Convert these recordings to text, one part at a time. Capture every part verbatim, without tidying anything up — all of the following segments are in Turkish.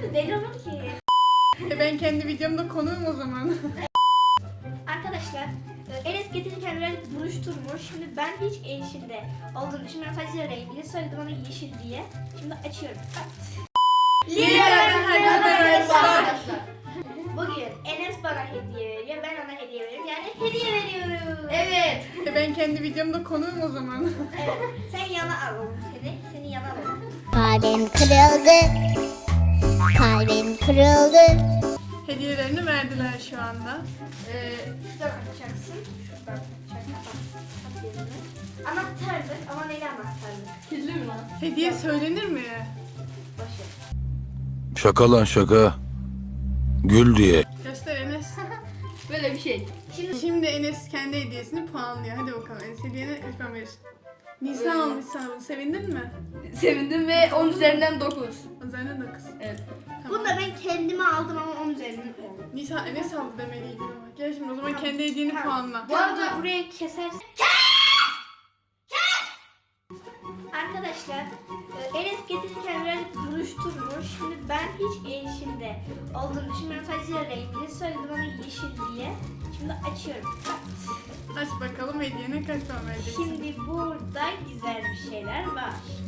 mi? Deli olur ki. E ben kendi videomda konuğum o zaman. Arkadaşlar Enes getirirken biraz buruşturmuş. Şimdi ben hiç yeşilde olduğunu düşünmüyorum. Sadece rengini söyledim ona yeşil diye. Şimdi açıyorum. Arkadaşlar. Bugün Enes bana hediye veriyor. Ben ona hediye veriyorum. Yani hediye veriyorum. Evet. E ben kendi videomda konuğum o zaman. Evet. Sen yana alalım seni. Seni yana alalım. Kalbim kırıldı. Kalbim kırıldı. Hediyelerini verdiler şu anda. Ee, şuradan açacaksın. Şuradan açacaksın. At yerine. Anahtarlık ama neydi anahtarlık? Kirli mi lan? Hediye söylenir mi? Başı. Şaka lan şaka. Gül diye. Göster Enes. Böyle bir şey. Şimdi Şimdi Enes kendi hediyesini puanlıyor. Hadi bakalım Enes hediyene kaç puan verirsin? Nisan almış sana bunu. Sevindin mi? Sevindim ve on üzerinden dokuz. Üzerine dokuz. Evet. Tamam. bunu da ben kendime aldım ama onun üzerinden oldu. Nisan Enes aldı demeliydin ama. Gel şimdi o zaman kendi hediyeni puanla. Bu arada buraya kesersin. Arkadaşlar e, Enes getirirken biraz buruşturmuş. Şimdi ben hiç yeşilde olduğunu düşünmüyorum. Sadece rengini söyledim ona yeşil diye. Şimdi açıyorum. Aç bakalım hediyene kaç puan vereceksin? Şimdi burada güzel bir şeyler var.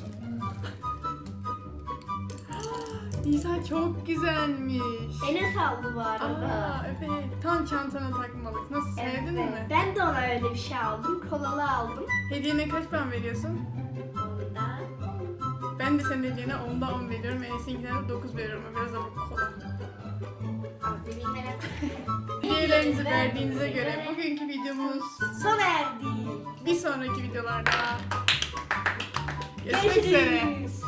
Nisan çok güzelmiş. Enes aldı bu arada. Aa evet. Tam çantana takmalık. Nasıl sevdin Evet, mi? ben de ona öyle bir şey aldım. Kolalı aldım. Hediyene kaç puan veriyorsun? Onda. Ben de senin hediyene onda on veriyorum. Enes'inkine de dokuz veriyorum. O biraz da bu kolay. Abi bilmem. Hediyelerinizi verdiğinize göre bugünkü videomuz Sona erdi. bir sonraki videolarda görüşmek üzere. Görüşürüz.